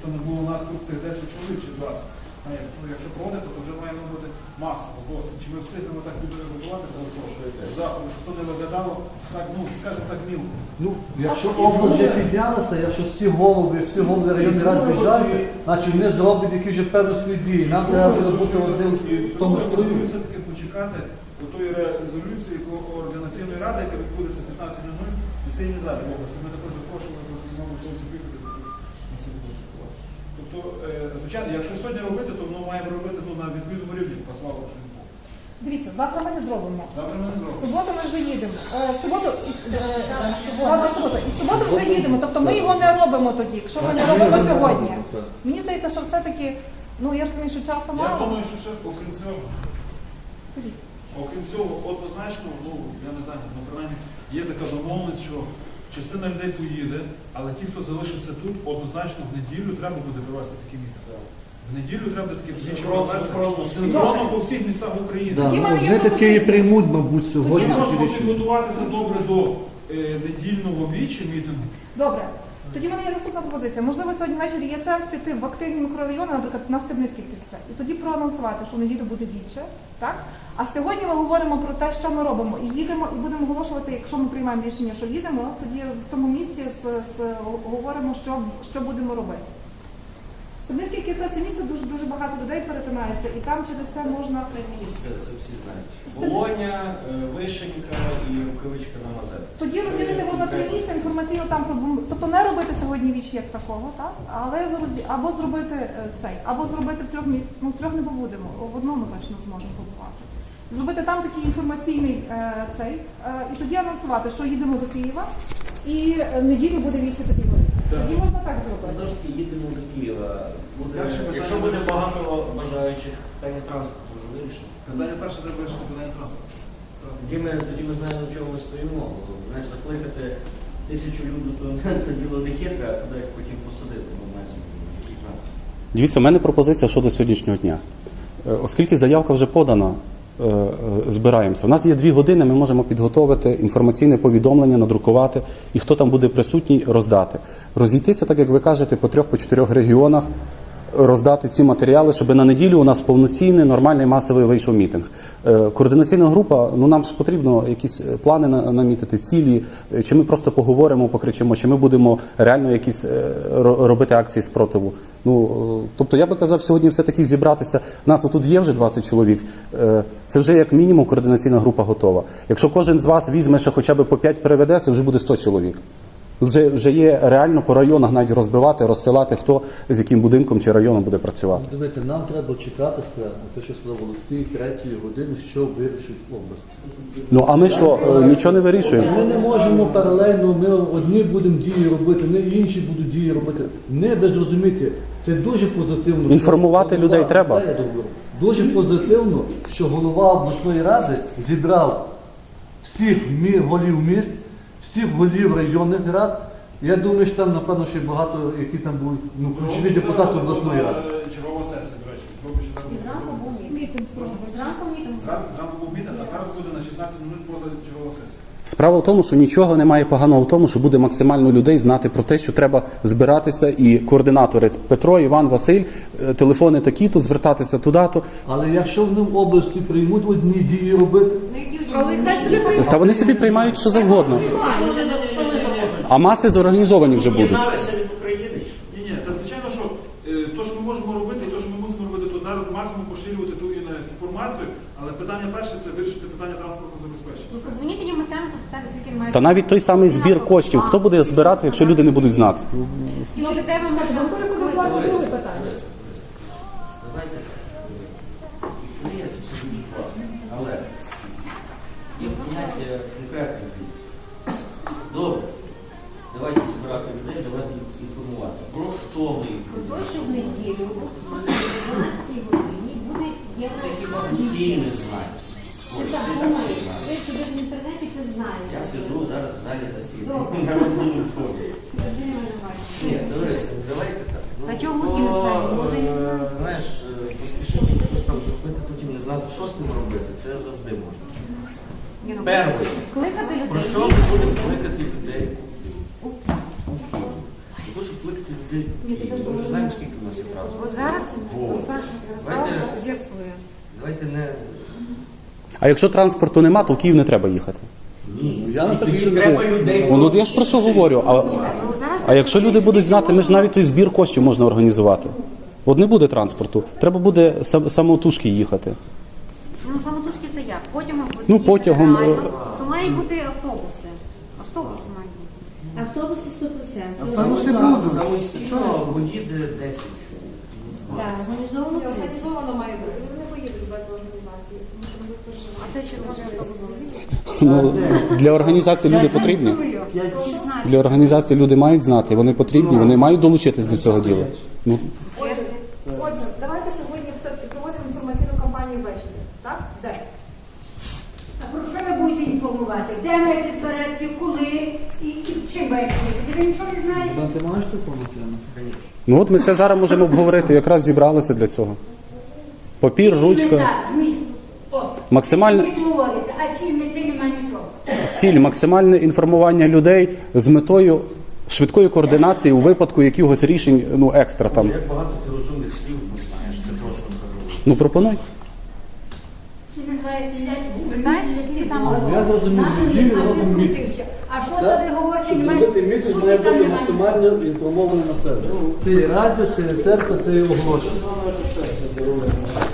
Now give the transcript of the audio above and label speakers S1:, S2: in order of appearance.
S1: не було у нас тут тих 10 чоловік чи 20. Якщо проводити, то вже маємо бути масово, досить. Чи ми встигнемо так підготуватися до того заходу, щоб то не виглядало так, ну, скажімо так, мілко.
S2: Ну, якщо область вже піднялася, якщо всі голови районних рад біжать, значить вони зроблять якісь вже певні свої дії. Нам треба буде бути один в тому строю.
S1: Все-таки почекати до тої резолюції Координаційної ради, яка відбудеться 15:00 в сесійній залі області. Ми також запрошуємо до знову когось приїхати на сьогодні. Тобто, звичайно, якщо сьогодні робити, то воно маємо робити на відповідному рівні, послава Богу.
S3: Дивіться, завтра ми не зробимо.
S1: Завтра ми не
S3: В
S1: зробимо.
S3: суботу ми вже їдемо. В суботу вже їдемо. Тобто ми його не робимо тоді, якщо ми не робимо сьогодні. Мені здається, що все-таки, ну я розумію, що часу
S1: Я
S3: мало.
S1: думаю, що ще окрім цього,
S3: Скажіть.
S1: окрім цього, однозначно, ну, я не знаю, ну, принаймні, є така домовленість, що частина людей поїде, але ті, хто залишився тут, однозначно в неділю треба буде провести такі мітинги. В неділю треба такі синхронно по всіх містах України.
S2: Вони такі приймуть, мабуть, сьогодні.
S1: Ми можемо підготуватися добре до недільного вічі мітингу.
S3: Добре. Тоді в мене є наступна пропозиція. Можливо, сьогодні ввечері є сенс піти в активні мікрорайони, наприклад, на Стебницькій кільце, і тоді проанонсувати, що в неділю буде віче, так? А сьогодні ми говоримо про те, що ми робимо, і їдемо, і будемо оголошувати, якщо ми приймаємо рішення, що їдемо, тоді в тому місці говоримо, що будемо робити. Стебницьке кільце – це місце, дуже багато людей перетинається, і там через це можна...
S4: Місце, це всі знають. Волоня, Вишенька і Рукавичка на Мазепі.
S3: Тоді розділити можна три місця, інформаційно там, тобто не робити сьогодні віч як такого, так? Але або зробити цей, або зробити в трьох місцях, ну в трьох не побудемо, в одному точно зможемо побувати. Зробити там такий інформаційний цей, і тоді анонсувати, що їдемо до Києва, і неділю буде віче тоді. Тоді можна так зробити.
S4: Знову ж таки, їдемо до Києва. Якщо буде багато бажаючих, питання транспорту вже вирішено.
S1: Питання перше треба вирішити питання транспорту.
S4: Тоді ми знаємо, на чому ми стоїмо. Знаєш, закликати 1000 людей, то це діло не хитре, а куди їх потім посадити на цьому транспорт.
S5: Дивіться, у мене пропозиція щодо сьогоднішнього дня. Оскільки заявка вже подана, збираємося. У нас є 2 години, ми можемо підготовити інформаційне повідомлення, надрукувати, і хто там буде присутній, роздати. Розійтися, так як ви кажете, по 3-4 регіонах, роздати ці матеріали, щоб на неділю у нас повноцінний, нормальний, масовий вийшов мітинг. Координаційна група, ну нам ж потрібно якісь плани намітити, цілі, чи ми просто поговоримо, покричимо, чи ми будемо реально якісь робити акції спротиву. Ну, тобто я би казав сьогодні все-таки зібратися. Нас отут є вже 20 чоловік, це вже як мінімум координаційна група готова. Якщо кожен з вас візьме ще хоча б по 5 переведе, це вже буде 100 чоловік. Вже є реально по районах навіть розбивати, розсилати, хто з яким будинком чи районом буде працювати.
S2: Дивіться, нам треба чекати те, що сказав Олексій, 3-ї години, що вирішить область.
S5: Ну, а ми що, нічого не вирішуємо?
S2: Ми не можемо паралельно, ми одні будемо дії робити, не інші будуть дії робити. Не безрозуміти. Це дуже позитивно.
S5: Інформувати людей треба.
S2: Дуже позитивно, що голова обласної ради зібрав всіх голів міст, всіх голів районних рад. Я думаю, що там, напевно, ще багато, які там будуть ключові депутати обласної ради.
S1: Чергова сесія, до речі.
S3: Зранку був мітинг.
S1: Зранку був мітинг, а зараз буде на 16 минут поза чергова сесія.
S5: Справа в тому, що нічого немає поганого в тому, що буде максимально людей знати про те, що треба збиратися, і координатори Петро, Іван, Василь, телефони такі-то, звертатися туди-то.
S2: Але якщо вони в області приймуть одні дії робити,
S5: Та вони собі приймають що завгодно. А маси зорганізовані вже будуть.
S4: Єдналися від України.
S1: Ні, та звичайно, що то, що ми можемо робити, і то, що ми мусимо робити, то зараз максимум поширювати ту інформацію, але питання перше – це вирішити питання транспортного забезпечення.
S6: Подзвоніть Ємесенко, спитати, скільки він має.
S5: Та навіть той самий збір коштів, хто буде збирати, якщо люди не будуть знати?
S6: Скільки людей ми можемо
S3: Друге питання.
S4: Давайте. Ні, це все дуже класно. Але є поняття конкретних дій. Добре. Давайте збирати людей, давайте їх інформувати. Про що ми їх
S6: Про те, що в неділю о 12 годині буде
S4: Це хіба Київ не знає.
S6: Ви що ви в інтернеті це знаєте.
S4: Я сиджу зараз в залі засідання. Народному фонді. Ні, давайте так.
S6: А чого Луки не знає? Може і не знає.
S4: Знаєш, поспішити щось там зробити, потім не знати, що з тим робити, це завжди можна. Перше.
S6: Кликати
S4: Про
S6: людей.
S4: що ми будемо кликати людей у Київ? Для того, щоб викликати людей в Київ. Ми вже знаємо, скільки у нас є транспорту.
S6: От зараз
S4: Вот.
S6: Ярослав з'ясує.
S4: Давайте не...
S5: А якщо транспорту нема, то в Київ не треба їхати.
S4: Ні,
S2: Я не
S4: тоді
S2: так
S4: треба людей.
S5: Ну, я ж про що говорю. А якщо люди будуть знати, ми ж навіть той збір коштів можна організувати. От не буде транспорту, треба буде самотужки їхати.
S6: Ну, самотужки це як? Потягом буде
S5: Ну,
S6: їхати
S5: потягом,
S6: реально. То мають бути автобуси. Автобуси мають бути.
S7: Автобуси 100%.
S2: Автобуси будуть.
S4: Самостійно, бо їде 10 чоловік.
S7: Так, організовано.
S3: Організовано має бути. Вони не поїдуть без організації, тому що вони переживають.
S6: А це ще лише автобус.
S5: Ну, для організації люди потрібні. Для організації люди мають знати, вони потрібні, вони мають долучитись до цього діла. Ну,
S3: Отже, давайте сьогодні все-таки проводимо інформаційну кампанію ввечері. Так? Де?
S8: А про що ви будете інформувати? Де маєте збиратися, коли і чим маєте їхати? Ви нічого не знаєте?
S2: Ти маєш телефон, Тетяна?
S5: ну от ми це зараз можемо обговорити, якраз зібралися для цього. Папір, ручка.
S8: Мета, зміст. От.
S5: Максимальне-
S8: Ви говорите, а ці мети немає нічого.
S5: Ціль максимальне інформування людей з метою швидкої координації у випадку якихось рішень, ну екстра там.
S4: Як багато ти розумних слів не знаєш, це просто хороше.
S5: Ну пропонуй.
S8: Всі називають
S6: Знаєш, які там
S2: Я зрозумів, неділю робимо мітинг.
S8: А що
S2: Так?
S8: ви говорите,
S2: Щоб
S8: немає?
S2: зробити мітинг,
S8: Суті
S2: має
S8: там
S2: бути
S8: немає.
S2: максимально інформоване населення. Це і радіо, це і церква, це і оголошення.